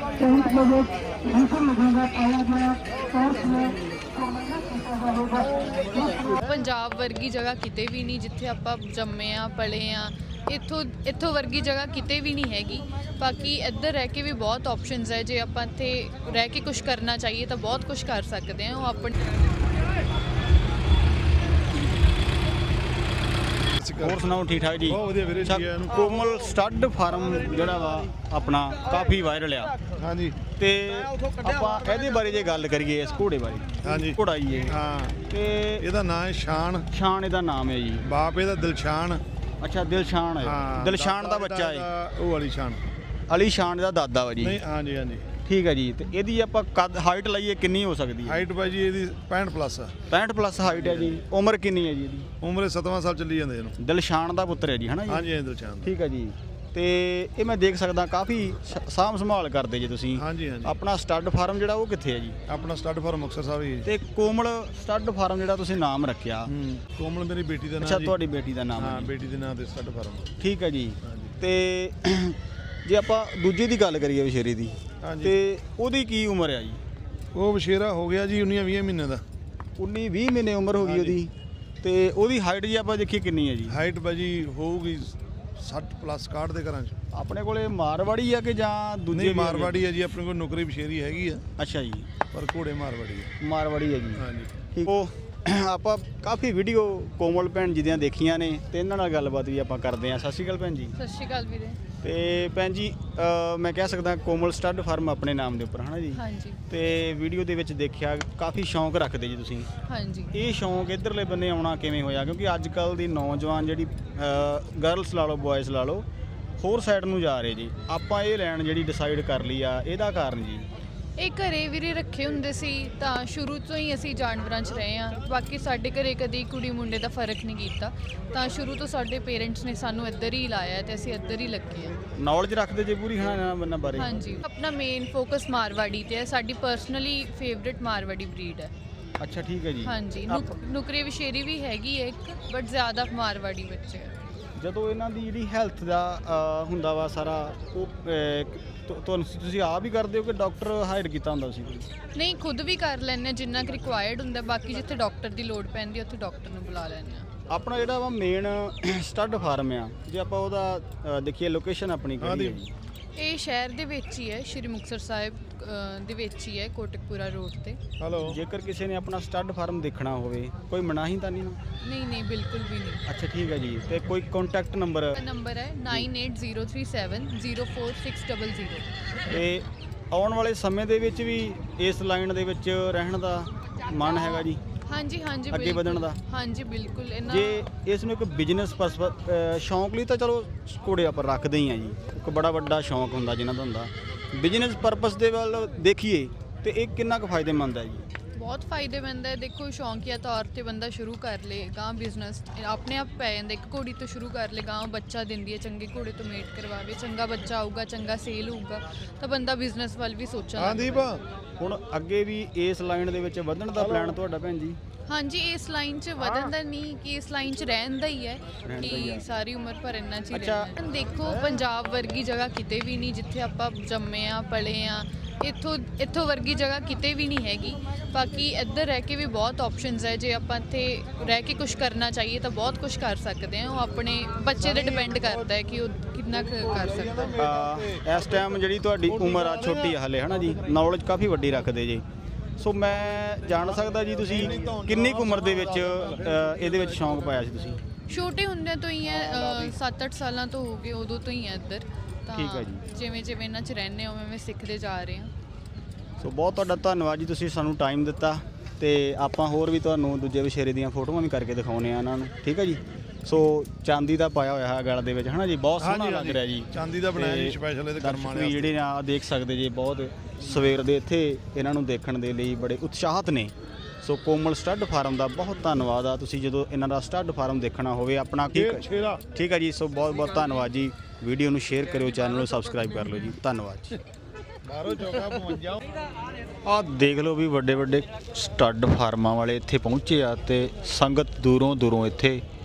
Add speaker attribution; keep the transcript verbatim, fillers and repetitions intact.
Speaker 1: तेईस बजे बिल्कुल लगेगा पाया गया और इसमें
Speaker 2: ਪੰਜਾਬ ਵਰਗੀ ਜਗ੍ਹਾ ਕਿਤੇ ਵੀ ਨਹੀਂ ਜਿੱਥੇ ਆਪਾਂ ਜੰਮੇ ਆ ਪਲੇ ਆ ਇੱਥੋਂ ਇੱਥੋਂ ਵਰਗੀ ਜਗ੍ਹਾ ਕਿਤੇ ਵੀ ਨਹੀਂ ਹੈਗੀ। ਬਾਕੀ ਇੱਧਰ ਰਹਿ ਕੇ ਵੀ ਬਹੁਤ ਆਪਸ਼ਨਸ ਹੈ, ਜੇ ਆਪਾਂ ਇੱਥੇ ਰਹਿ ਕੇ ਕੁਝ ਕਰਨਾ ਚਾਹੀਏ ਤਾਂ ਬਹੁਤ ਕੁਝ ਕਰ ਸਕਦੇ ਹਾਂ। ਉਹ ਆਪਣੇ
Speaker 3: ਹੋਰ ਸੁਣਾਓ ਠੀਕ ਠਾਕ ਜੀ?
Speaker 4: ਬਹੁਤ ਵਧੀਆ ਵੀਰੇ ਜੀ।
Speaker 3: ਅੱਛਾ, ਕੋਮਲ ਸਟੱਡ ਫਾਰਮ ਜਿਹੜਾ ਵਾ ਆਪਣਾ ਕਾਫੀ ਵਾਇਰਲ ਆ
Speaker 4: ਹਾਂਜੀ
Speaker 3: ਤੇ ਆਪਾਂ ਇਹਦੇ ਬਾਰੇ ਜੇ ਗੱਲ ਕਰੀਏ ਇਸ ਘੋੜੇ ਬਾਰੇ।
Speaker 4: ਹਾਂਜੀ
Speaker 3: ਘੋੜਾ ਜੀ ਇਹ
Speaker 4: ਹਾਂ,
Speaker 3: ਤੇ
Speaker 4: ਇਹਦਾ ਨਾਂ ਹੈ ਸ਼ਾਨ।
Speaker 3: ਸ਼ਾਨ ਇਹਦਾ ਨਾਮ ਹੈ ਜੀ।
Speaker 4: ਬਾਪ ਇਹਦਾ ਦਿਲਸ਼ਾਨ।
Speaker 3: ਅੱਛਾ ਦਿਲਸ਼ਾਨ ਹੈ।
Speaker 4: ਹਾਂ,
Speaker 3: ਦਿਲਸ਼ਾਨ ਦਾ ਬੱਚਾ ਹੈ।
Speaker 4: ਇਹਦਾ ਉਹ ਵਾਲੀ ਸ਼ਾਨ।
Speaker 3: ਅਲੀ ਸ਼ਾਨ ਦਾ ਦਾਦਾ ਵਾ ਜੀ।
Speaker 4: ਨਹੀਂ ਹਾਂਜੀ ਹਾਂਜੀ
Speaker 3: ਠੀਕ ਹੈ ਜੀ। ਤੇ ਇਹਦੀ ਆਪਾਂ ਕੱਦ ਹਾਈਟ ਲਈਏ ਕਿੰਨੀ ਹੋ ਸਕਦੀ ਹੈ?
Speaker 4: ਹਾਈਟ ਭਾਜੀ ਇਹਦੀ ਪੈਂਹਠ ਪਲੱਸ ਆ।
Speaker 3: ਪੈਂਹਠ ਪਲੱਸ ਹਾਈਟ ਹੈ ਜੀ। ਉਮਰ ਕਿੰਨੀ ਹੈ ਜੀ ਇਹਦੀ?
Speaker 4: ਉਮਰੇ ਸੱਤਵਾਂ ਸਾਲ ਚੱਲੀ ਜਾਂਦੇ ਇਹਨੂੰ।
Speaker 3: ਦਿਲਸ਼ਾਨ ਦਾ ਪੁੱਤਰ ਹੈ ਜੀ, ਹਨਾ ਜੀ?
Speaker 4: ਹਾਂਜੀ ਹਾਂਜੀ ਦਿਲਸ਼ਾਨ।
Speaker 3: ਠੀਕ ਹੈ ਜੀ। ਤੇ ਇਹ ਮੈਂ ਦੇਖ ਸਕਦਾ ਕਾਫੀ ਸ- ਸਾਂਭ ਸੰਭਾਲ ਕਰਦੇ ਜੀ ਤੁਸੀਂ।
Speaker 4: ਹਾਂਜੀ ਹਾਂਜੀ
Speaker 3: ਆਪਣਾ ਸਟੱਡ ਫਾਰਮ ਜਿਹੜਾ ਉਹ ਕਿੱਥੇ ਹੈ ਜੀ?
Speaker 4: ਆਪਣਾ ਸਟੱਡ ਫਾਰਮ ਮੁਕਤਸਰ ਸਾਹਿਬ ਹੀ ਹੈ।
Speaker 3: ਤੇ ਕੋਮਲ ਸਟੱਡ ਫਾਰਮ ਜਿਹੜਾ ਤੁਸੀਂ ਨਾਮ ਰੱਖਿਆ,
Speaker 4: ਹੂੰ, ਕੋਮਲ ਮੇਰੀ ਬੇਟੀ ਦਾ ਨਾਮ
Speaker 3: ਅੱਛਾ
Speaker 4: ਜੀ।
Speaker 3: ਤੁਹਾਡੀ ਬੇਟੀ ਦਾ ਨਾਮ ਹੈ
Speaker 4: ਹਾਂ,
Speaker 3: ਜੀ।
Speaker 4: ਬੇਟੀ ਦੇ ਨਾਂ ਤੇ ਸਟੱਡ ਫਾਰਮ।
Speaker 3: ਠੀਕ ਹੈ ਜੀ।
Speaker 4: ਹਾਂਜੀ
Speaker 3: ਤੇ ਜੇ ਆਪਾਂ ਦੂਜੇ ਦੀ ਗੱਲ ਕਰੀਏ ਵਿਸ਼ੇਰੇ ਦੀ,
Speaker 4: ਹਾਂਜੀ
Speaker 3: ਤੇ ਉਹਦੀ ਕੀ ਉਮਰ ਹੈ ਜੀ?
Speaker 4: ਉਹ ਵਸ਼ੇਰਾ ਹੋ ਗਿਆ ਜੀ ਉੱਨੀ ਵੀਹ ਮਹੀਨੇ ਦਾ।
Speaker 3: ਉੱਨੀ ਵੀਹ ਮਹੀਨੇ ਉਮਰ ਹੋ ਗਈ ਉਹਦੀ। ਤੇ ਉਹਦੀ ਹਾਈਟ ਜੀ ਆਪਾਂ ਦੇਖੀਏ ਕਿੰਨੀ ਹੈ ਜੀ?
Speaker 4: ਹਾਈਟ ਭਾਜੀ ਹੋਊਗੀ ਸੱਠ ਪਲੱਸ ਇਕਾਹਠ ਦੇ ਘਰਾਂ 'ਚ।
Speaker 3: ਆਪਣੇ ਕੋਲੇ ਮਾਰਵਾੜੀ ਆ ਕਿ ਜਾਂ ਦੂਜੇ
Speaker 4: ਨਹੀਂ
Speaker 3: ਵੀ ਹੈਗੇ?
Speaker 4: ਮਾਰਵਾੜੀ ਹੈ ਜੀ, ਆਪਣੇ ਕੋਲ ਨੌਕਰੀ ਬਸ਼ੇਰੀ ਹੈਗੀ ਆ,
Speaker 3: ਅੱਛਾ ਜੀ,
Speaker 4: ਪਰ ਘੋੜੇ ਮਾਰਵਾੜੀ ਹੈ।
Speaker 3: ਮਾਰਵਾੜੀ ਹੈ ਜੀ।
Speaker 4: ਹਾਂਜੀ
Speaker 3: ਠੀਕ। ਉਹ ਆਪਾਂ ਕਾਫੀ ਵੀਡੀਓ ਕੋਮਲ ਭੈਣ ਜੀ ਦੀਆਂ ਦੇਖੀਆਂ ਨੇ ਤੇ ਇਹਨਾਂ ਨਾਲ ਗੱਲਬਾਤ ਵੀ ਆਪਾਂ ਕਰਦੇ ਹਾਂ। ਸਤਿ ਸ਼੍ਰੀ ਅਕਾਲ ਭੈਣ ਜੀ।
Speaker 2: ਸਤਿ ਸ਼੍ਰੀ ਅਕਾਲ ਵੀਰੇ।
Speaker 3: ਤੇ ਭੈਣ ਜੀ ਅ, ਮੈਂ ਕਹਿ ਸਕਦਾ ਕੋਮਲ ਸਟੱਡ ਫਾਰਮ ਆਪਣੇ ਨਾਮ ਦੇ ਉੱਪਰ, ਹਨਾ ਜੀ?
Speaker 2: ਹਾਂਜੀ
Speaker 3: ਤੇ ਵੀਡੀਓ ਦੇ ਵਿੱਚ ਦੇਖਿਆ ਕਾਫੀ ਸ਼ੌਂਕ ਰੱਖਦੇ ਜੀ ਤੁਸੀਂ।
Speaker 2: ਹਾਂਜੀ
Speaker 3: ਇਹ ਸ਼ੌਂਕ ਇਧਰਲੇ ਬੰਨੇ ਆਉਣਾ ਕਿਵੇਂ ਹੋਇਆ? ਕਿਉਂਕਿ ਅੱਜ ਕੱਲ ਦੀ ਨੌਜਵਾਨ ਜਿਹੜੀ ਗਰਲਸ ਲਾ ਲਓ ਬॉयਜ਼ ਲਾ ਲਓ ਹੋਰ ਸਾਈਡ ਨੂੰ ਜਾ ਰਹੇ ਜੀ। ਆਪਾਂ ਇਹ ਲੈਣ ਜਿਹੜੀ ਡਿਸਾਈਡ ਕਰ ਲਈ ਆ, ਇਹਦਾ ਕਾਰਨ ਜੀ?
Speaker 2: ਇਹ ਘਰੇ ਵੀਰੇ ਰੱਖੇ ਹੁੰਦੇ ਸੀ ਤਾਂ ਸ਼ੁਰੂ ਤੋਂ ਹੀ ਅਸੀਂ ਜਾਨਵਰਾਂ 'ਚ ਰਹੇ ਹਾਂ। ਬਾਕੀ ਸਾਡੇ ਘਰੇ ਕਦੀ ਕੁੜੀ ਮੁੰਡੇ ਦਾ ਫਰਕ ਨਹੀਂ ਕੀਤਾ, ਤਾਂ ਸ਼ੁਰੂ ਤੋਂ ਸਾਡੇ ਪੇਰੈਂਟਸ ਨੇ ਸਾਨੂੰ ਇੱਧਰ ਹੀ ਲਾਇਆ ਤੇ ਅਸੀਂ ਇੱਧਰ ਹੀ ਲੱਗੇ ਹਾਂ।
Speaker 3: ਨੌਲੇਜ ਰੱਖਦੇ ਜੇ ਪੂਰੀ, ਹਨਾ ਇਹਨਾਂ ਬੰਨਾਂ ਬਾਰੇ?
Speaker 2: ਹਾਂਜੀ, ਆਪਣਾ ਮੇਨ ਫੋਕਸ ਮਾਰਵਾੜੀ ਤੇ ਹੈ। ਸਾਡੀ ਪਰਸਨਲੀ ਫੇਵਰਿਟ ਮਾਰਵਾੜੀ ਬਰੀਡ ਹੈ।
Speaker 3: ਅੱਛਾ ਠੀਕ ਹੈ ਜੀ।
Speaker 2: ਹਾਂਜੀ, ਨੁਕ- ਨੁਕਰੇ ਵਿਸ਼ੇਰੀ ਵੀ ਹੈਗੀ ਹੈ ਇੱਕ, ਬਟ ਜ਼ਿਆਦਾ ਮਾਰਵਾੜੀ ਬੱਚੇ ਹੈ।
Speaker 3: ਜਦੋਂ ਇਹਨਾਂ ਦੀ ਜਿਹੜੀ ਹੈਲਥ ਦਾ ਅ, ਹੁੰਦਾ ਵਾ ਸਾਰਾ ਉਹ ਅ, ਤੁ- ਤੁਹਾਨੂੰ ਤੁਸੀਂ ਆਪ ਹੀ ਕਰਦੇ ਹੋ ਕਿ ਡਾਕਟਰ ਹਾਇਰ ਕੀਤਾ ਹੁੰਦਾ ਸੀ ਕੋਈ?
Speaker 2: ਨਹੀਂ, ਖੁਦ ਵੀ ਕਰ ਲੈਂਦੇ ਹਾਂ ਜਿੰਨਾ ਕਿ ਰਿਕੁਆਇਰਡ ਹੁੰਦਾ। ਬਾਕੀ ਜਿੱਥੇ ਡਾਕਟਰ ਦੀ ਲੋੜ ਪੈਂਦੀ ਉੱਥੇ ਡਾਕਟਰ ਨੂੰ ਬੁਲਾ ਲੈਂਦੇ ਹਾਂ।
Speaker 3: ਆਪਣਾ ਜਿਹੜਾ ਵਾ ਮੇਨ ਸਟੱਡ ਫਾਰਮ ਆ, ਜੇ ਆਪਾਂ ਉਹਦਾ ਅ, ਦੇਖੀਏ ਲੋਕੇਸ਼ਨ ਆਪਣੀ ਕਿਹੜੀ ਹੈ ਜੀ?
Speaker 2: ਇਹ ਸ਼ਹਿਰ ਦੇ ਵਿੱਚ ਹੀ ਹੈ, ਸ਼੍ਰੀ ਮੁਕਤਸਰ ਸਾਹਿਬ ਅ, ਦੇ ਵਿੱਚ ਹੀ ਹੈ, ਕੋਟਕਪੂਰਾ ਰੋਡ ਤੇ।
Speaker 4: ਹੈਲੋ।
Speaker 3: ਜੇਕਰ ਕਿਸੇ ਨੇ ਆਪਣਾ ਸਟੱਡ ਫਾਰਮ ਦੇਖਣਾ ਹੋਵੇ ਕੋਈ ਮਨਾਹੀ ਤਾਂ ਨਹੀਂ ਨਾ?
Speaker 2: ਨਹੀਂ ਨਹੀਂ ਬਿਲਕੁਲ ਵੀ ਨਹੀਂ।
Speaker 3: ਅੱਛਾ ਠੀਕ ਹੈ ਜੀ। ਤੇ ਕੋਈ ਕੰਟੈਕਟ ਨੰਬਰ?
Speaker 2: ਨੰਬਰ ਹੈ nine eight zero three seven zero four six double zero.
Speaker 3: ਤੇ ਆਉਣ ਵਾਲੇ ਸਮੇਂ ਦੇ ਵਿੱਚ ਵੀ ਇਸ ਲਾਈਨ ਦੇ ਵਿੱਚ ਰਹਿਣ ਦਾ ਮਨ ਹੈਗਾ ਜੀ?
Speaker 2: ਹਾਂਜੀ ਹਾਂਜੀ
Speaker 3: ਅੱਗੇ
Speaker 2: ਬਿਲਕੁਲ।
Speaker 3: ਵਧਣ ਦਾ?
Speaker 2: ਹਾਂਜੀ ਬਿਲਕੁਲ। ਇਹਨਾਂ
Speaker 3: ਜੇ ਇਸ ਨੂੰ ਇੱਕ ਬਿਜ਼ਨਸ ਸ਼ੌਂਕ ਲਈ ਤਾਂ ਚਲੋ ਘੋੜੇ ਆਪਾਂ ਰੱਖਦੇ ਹੀ ਆ ਜੀ, ਇੱਕ ਬੜਾ ਵੱਡਾ ਸ਼ੌਂਕ ਹੁੰਦਾ ਜਿਨ੍ਹਾਂ ਦਾ ਹੁੰਦਾ। ਬਿਜ਼ਨਸ ਪਰਪਸ ਦੇ ਵੱਲ ਦੇਖੀਏ ਤੇ ਇਹ ਕਿੰਨਾ ਕੁ ਫਾਇਦੇਮੰਦ ਹੈ ਜੀ?
Speaker 2: ਬਹੁਤ ਫਾਇਦੇਮੰਦ ਹੈ। ਦੇਖੋ, ਸ਼ੌਂਕੀਆ ਤੌਰ ਤੇ ਬੰਦਾ ਸ਼ੁਰੂ ਕਰ ਲੇ ਗਾਂ ਬਿਜ਼ਨਸ ਆਪਣੇ ਆਪ ਪੈ ਜਾਂਦਾ। ਇੱਕ ਘੋੜੀ ਤੋਂ ਸ਼ੁਰੂ ਕਰ ਲੇ, ਗਾਂ ਬੱਚਾ ਦਿੰਦੀ ਹੈ, ਚੰਗੇ ਘੋੜੇ ਤੋਂ ਮੇਟ ਕਰਵਾਵੇ, ਚੰਗਾ ਬੱਚਾ ਆਊਗਾ, ਚੰਗਾ ਸੇਲ ਹੋਊਗਾ ਤਾਂ ਬੰਦਾ ਬਿਜ਼ਨਸ ਵੱਲ ਵੀ ਸੋਚਣ ਲੱਗ
Speaker 4: ਹਾਂਜੀ
Speaker 2: ਪੈਂਦਾ।
Speaker 4: ਬਾ
Speaker 3: ਹੁਣ ਅੱਗੇ ਵੀ ਇਸ ਲਾਈਨ ਦੇ ਵਿੱਚ ਵਧਣ ਦਾ ਪਲਾਨ ਤੁਹਾਡਾ ਭੈਣ ਜੀ?
Speaker 2: ਹਾਂਜੀ, ਇਸ ਲਾਈਨ 'ਚ ਵਧਣ ਦਾ ਨਹੀਂ ਕਿ ਇਸ ਲਾਈਨ 'ਚ ਰਹਿਣ ਦਾ ਹੀ ਹੈ
Speaker 3: ਰਹਿਣ ਦਾ ਹੀ
Speaker 2: ਕਿ
Speaker 3: ਹੈ।
Speaker 2: ਸਾਰੀ ਉਮਰ ਭਰ ਇੰਨਾ 'ਚ ਹੀ
Speaker 3: ਅੱਛਾ।
Speaker 2: ਰਹਿਣਾ। ਦੇਖੋ, ਪੰਜਾਬ ਵਰਗੀ ਜਗ੍ਹਾ ਕਿਤੇ ਵੀ ਨਹੀਂ ਜਿੱਥੇ ਆਪਾਂ ਜੰਮੇ ਆ ਪਲੇ ਆ। ਇੱਥੋਂ ਇੱਥੋਂ ਵਰਗੀ ਜਗ੍ਹਾ ਕਿਤੇ ਵੀ ਨਹੀਂ ਹੈਗੀ। ਬਾਕੀ ਇੱਧਰ ਰਹਿ ਕੇ ਵੀ ਬਹੁਤ ਆਪਸ਼ਨਸ ਹੈ, ਜੇ ਆਪਾਂ ਇੱਥੇ ਰਹਿ ਕੇ ਕੁਝ ਕਰਨਾ ਚਾਹੀਏ ਤਾਂ ਬਹੁਤ ਕੁਝ ਕਰ ਸਕਦੇ ਹਾਂ। ਉਹ ਆਪਣੇ ਬੱਚੇ 'ਤੇ ਡਿਪੈਂਡ ਕਰਦਾ ਹੈ ਕਿ ਉਹ ਕਿੰਨਾ ਕੁ ਕਰ ਸਕਦਾ ਹੈ।
Speaker 3: ਅ, ਇਸ ਟਾਈਮ ਜਿਹੜੀ ਤੁਹਾਡੀ ਉਮਰ ਆ ਛੋਟੀ ਆ ਹਲੇ, ਹਨਾ ਜੀ? ਨੌਲੇਜ ਕਾਫੀ ਵੱਡੀ ਰੱਖਦੇ ਜੀ। ਸੋ ਮੈਂ ਜਾਣ ਸਕਦਾ ਜੀ ਤੁਸੀਂ ਕਿੰਨੀ ਕੁ ਉਮਰ ਦੇ ਵਿੱਚ ਅ, ਇਹਦੇ ਵਿੱਚ ਸ਼ੌਂਕ ਪਾਇਆ ਸੀ ਤੁਸੀਂ?
Speaker 2: ਛੋਟੇ ਹੁੰਦਿਆਂ ਤੋਂ ਹੀ ਹੈ, ਸੱਤ ਅੱਠ ਸਾਲਾਂ ਤੋਂ ਹੋ ਗਏ, ਉਦੋਂ ਤੋਂ ਹੀ ਹੈ ਇੱਧਰ। ਤਾਂ
Speaker 3: ਠੀਕ ਹੈ ਜੀ।
Speaker 2: ਜਿਵੇਂ ਜਿਵੇਂ ਇਹਨਾਂ 'ਚ ਰਹਿੰਦੇ ਹਾਂ ਉਵੇਂ ਉਵੇਂ ਸਿੱਖਦੇ ਜਾ ਰਹੇ ਹਾਂ।
Speaker 3: ਸੋ ਬਹੁਤ ਤੁਹਾਡਾ ਧੰਨਵਾਦ ਜੀ, ਤੁਸੀਂ ਸਾਨੂੰ ਟਾਈਮ ਦਿੱਤਾ ਤੇ ਆਪਾਂ ਹੋਰ ਵੀ ਤੁਹਾਨੂੰ ਦੂਜੇ ਵਿਸ਼ੇਰੇ ਦੀਆਂ ਫੋਟੋਆਂ ਵੀ ਕਰਕੇ ਦਿਖਾਉਣੇ ਆ ਇਹਨਾਂ ਨੂੰ। ਠੀਕ ਹੈ ਜੀ। ਸੋ ਚਾਂਦੀ ਦਾ ਪਾਇਆ ਹੋਇਆ ਹੈ ਗਲ ਦੇ ਵਿੱਚ, ਹਨਾ ਜੀ? ਬਹੁਤ ਸੋਹਣਾ
Speaker 4: ਹਾਂਜੀ,
Speaker 3: ਲੱਗ ਰਿਹਾ ਜੀ।
Speaker 4: ਚਾਂਦੀ ਦਾ ਬਣਾਇਆ ਜੀ
Speaker 3: ਤੇ
Speaker 4: ਸਪੈਸ਼ਲ ਇਹਦੇ
Speaker 3: ਦਰਸ਼ਕ
Speaker 4: ਕਰਮਾਂ
Speaker 3: ਵੀ
Speaker 4: ਵਾਲੇ
Speaker 3: ਜਿਹੜੇ ਆ ਦੇਖ ਸਕਦੇ ਜੀ, ਬਹੁਤ ਸਵੇਰ ਦੇ ਇੱਥੇ ਇਹਨਾਂ ਨੂੰ ਦੇਖਣ ਦੇ ਲਈ ਬੜੇ ਉਤਸ਼ਾਹਤ ਨੇ। ਸੋ ਕੋਮਲ ਸਟੱਡ ਫਾਰਮ ਦਾ ਬਹੁਤ ਧੰਨਵਾਦ ਆ। ਤੁਸੀਂ ਜਦੋਂ ਇਹਨਾਂ ਦਾ ਸਟੱਡ ਫਾਰਮ ਦੇਖਣਾ ਹੋਵੇ ਆਪਣਾ
Speaker 4: ਸ਼ੇਰ- ਸ਼ੇਰਾ।
Speaker 3: ਠੀਕ ਹੈ ਜੀ। ਸੋ ਬਹੁਤ ਬਹੁਤ ਧੰਨਵਾਦ ਜੀ। ਵੀਡੀਓ ਨੂੰ ਸ਼ੇਅਰ ਕਰਿਓ, ਚੈਨਲ ਨੂੰ ਸਬਸਕ੍ਰਾਈਬ ਕਰ ਲਓ ਜੀ। ਧੰਨਵਾਦ ਜੀ।
Speaker 4: ਬਾਹਰੋਂ ਚੌਕਾ ਪਹੁੰਚ
Speaker 3: ਆਹ ਦੇਖ ਲਓ ਵੀ ਵੱਡੇ ਵੱਡੇ ਸਟੱਡ ਫਾਰਮਾਂ ਵਾਲੇ ਇੱਥੇ ਪਹੁੰਚੇ ਆ ਤੇ ਸੰਗਤ ਦੂਰੋਂ ਦੂਰੋਂ ਇੱਥੇ